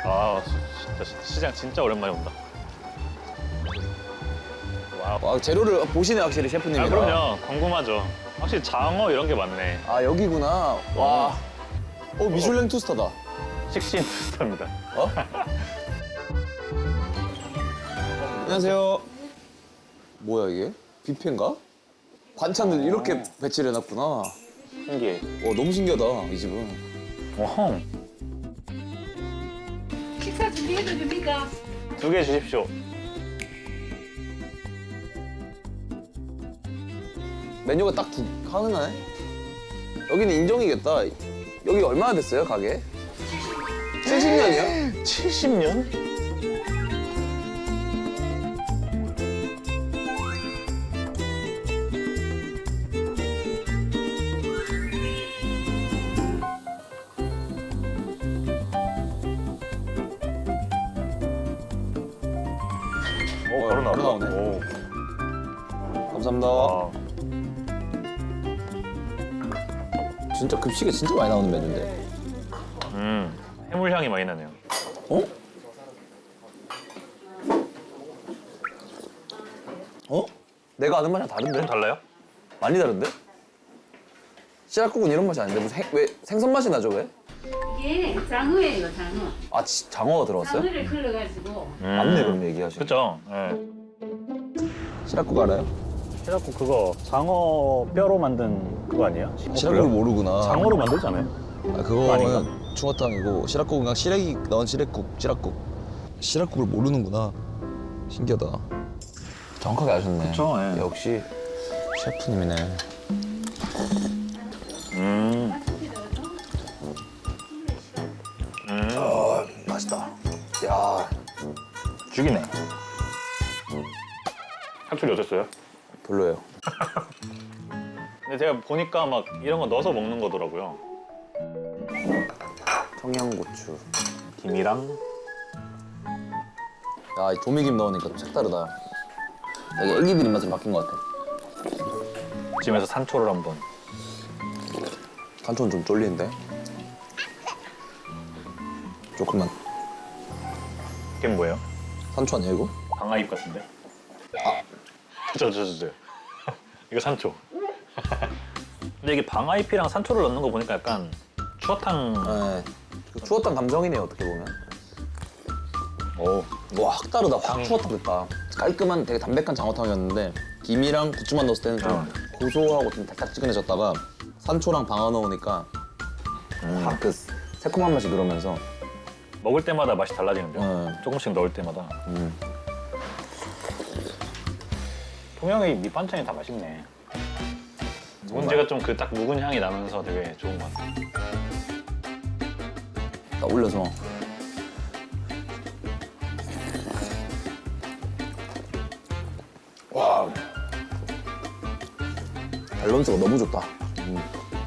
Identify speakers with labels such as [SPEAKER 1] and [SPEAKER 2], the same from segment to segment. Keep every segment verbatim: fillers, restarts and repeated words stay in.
[SPEAKER 1] 아 진짜 시- 시장 진짜 오랜만에 온다. 와우.
[SPEAKER 2] 와, 재료를 보시네 확실히
[SPEAKER 1] 아
[SPEAKER 2] 셰프님이랑.
[SPEAKER 1] 그럼요. 궁금하죠. 확실히 장어 이런 게 많네.
[SPEAKER 2] 아 여기구나. 와. 어 미슐랭 투스타다.
[SPEAKER 1] 식신 투스타입니다.
[SPEAKER 2] 어? 안녕하세요. 뭐야 이게? 뷔페인가? 반찬들 이렇게 배치를 해놨구나.
[SPEAKER 1] 신기해.
[SPEAKER 2] 와 너무 신기하다 이 집은.
[SPEAKER 1] 어헝.
[SPEAKER 3] 식사 준비해도 됩니까?
[SPEAKER 1] 두 개 주십시오.
[SPEAKER 2] 메뉴가 딱 두 하나네. 여기는 인정이겠다. 여기 얼마나 됐어요 가게? 칠십 년이요?
[SPEAKER 1] 칠십 년? 오, 바로 나온다.
[SPEAKER 2] 바로 나오네.
[SPEAKER 1] 오.
[SPEAKER 2] 감사합니다.
[SPEAKER 1] 아,
[SPEAKER 2] 진짜 급식에 진짜 많이 나오는 메뉴인데.
[SPEAKER 1] 음, 해물 향이 많이 나네요.
[SPEAKER 2] 어? 어? 내가 아는 맛이랑 다른데?
[SPEAKER 1] 좀 달라요?
[SPEAKER 2] 많이 다른데? 씨앗국은 이런 맛이 아닌데 무슨 행, 왜 생선 맛이 나죠 왜?
[SPEAKER 3] 이게 장어예요, 장어.
[SPEAKER 2] 아 지, 장어가 들어갔어요?
[SPEAKER 3] 장어를 걸러가지고
[SPEAKER 2] 맞네 그럼 얘기하시고.
[SPEAKER 1] 그죠? 예.
[SPEAKER 2] 씨앗국 알아요?
[SPEAKER 1] 해갖고 그거 장어 뼈로 만든 그거 아니에요?
[SPEAKER 2] 씨앗국을 모르구나.
[SPEAKER 1] 장어로 만들잖아요.
[SPEAKER 2] 아, 그거는
[SPEAKER 1] 아닌가?
[SPEAKER 2] 중화탕이고 씨앗국은 그냥 시래기 넣은 시래국, 씨앗국. 씨앗국을 모르는구나. 신기하다. 정확하게 아셨네.
[SPEAKER 1] 그쵸, 예.
[SPEAKER 2] 역시 셰프님이네.
[SPEAKER 1] 음. 음.
[SPEAKER 2] 아 맛있다. 야
[SPEAKER 1] 죽이네. 사투리 어땠어요?
[SPEAKER 2] 별로예요.
[SPEAKER 1] 근데 제가 보니까 막 이런 거 넣어서 먹는 거더라고요.
[SPEAKER 2] 청양고추.
[SPEAKER 1] 김이랑
[SPEAKER 2] 야, 이 조미김 넣으니까 좀 색다르다. 되게 애기들 입맛으로 바뀐 것 같아.
[SPEAKER 1] 집에서 산초를 한번.
[SPEAKER 2] 간초는 좀 쫄리는데. 조금만.
[SPEAKER 1] 이게 뭐예요?
[SPEAKER 2] 산초 아니야 이거?
[SPEAKER 1] 방아잎 같은데? 아, 저, 저, 저, 저. 이거 산초. 근데 이게 방아잎이랑 산초를 넣는 거 보니까 약간 추어탕.
[SPEAKER 2] 네. 그 추어탕 감성이네요 어떻게 보면.
[SPEAKER 1] 오.
[SPEAKER 2] 와, 확 다르다. 확 추어탕 됐다. 깔끔한 되게 담백한 장어탕이었는데 김이랑 부추만 넣었을 때는 좀
[SPEAKER 1] 어.
[SPEAKER 2] 고소하고 좀 달짝지근해졌다가 산초랑 방아 넣으니까
[SPEAKER 1] 음.
[SPEAKER 2] 확 그 새콤한 맛이 들어오면서
[SPEAKER 1] 먹을 때마다 맛이 달라지는데요.
[SPEAKER 2] 네.
[SPEAKER 1] 조금씩 넣을 때마다.
[SPEAKER 2] 음.
[SPEAKER 1] 통영의 밑반찬이 다 맛있네. 문제가 좀 그 딱 묵은 향이 나면서 되게 좋은 것 같아요.
[SPEAKER 2] 딱 올려서 와 밸런스가 너무 좋다. 음.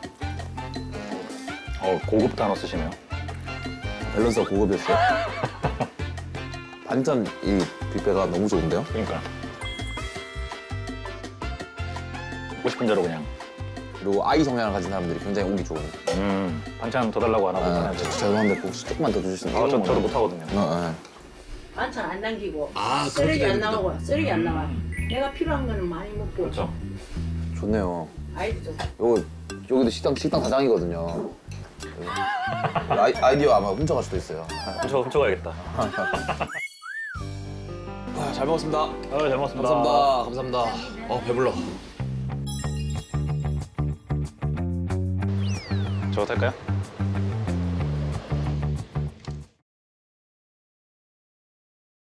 [SPEAKER 1] 어, 고급 단어 쓰시네요.
[SPEAKER 2] 밸런스가 고급이었어요. 반찬 이 뷔페가 너무 좋은데요?
[SPEAKER 1] 그러니까. 먹고 싶은 대로 그냥.
[SPEAKER 2] 그리고 아이 성향을 가진 사람들이 굉장히 오기 좋은.
[SPEAKER 1] 음, 반찬 더 달라고 안 하고.
[SPEAKER 2] 아,
[SPEAKER 1] 그냥
[SPEAKER 2] 저, 죄송한데 혹시 조금만 더 주실 수 있나요?
[SPEAKER 1] 아, 저, 저도 못하거든요.
[SPEAKER 2] 어, 어.
[SPEAKER 3] 반찬 안 남기고
[SPEAKER 2] 아,
[SPEAKER 3] 쓰레기
[SPEAKER 2] 그렇게
[SPEAKER 3] 안
[SPEAKER 2] 되는구나.
[SPEAKER 3] 나오고 쓰레기 안 나와. 내가 필요한 거는 많이 먹고
[SPEAKER 1] 그렇죠.
[SPEAKER 2] 좋네요.
[SPEAKER 3] 아이도 좀
[SPEAKER 2] 요거 여기도 식당 식당 사장이거든요. 아이, 아이디어 아마 훔쳐갈 수도 있어요.
[SPEAKER 1] 훔쳐, 훔쳐가야겠다.
[SPEAKER 2] 아, 잘 먹었습니다.
[SPEAKER 1] 아, 잘 먹었습니다.
[SPEAKER 2] 감사합니다. 감사합니다. 어 배불러.
[SPEAKER 1] 저거 탈까요?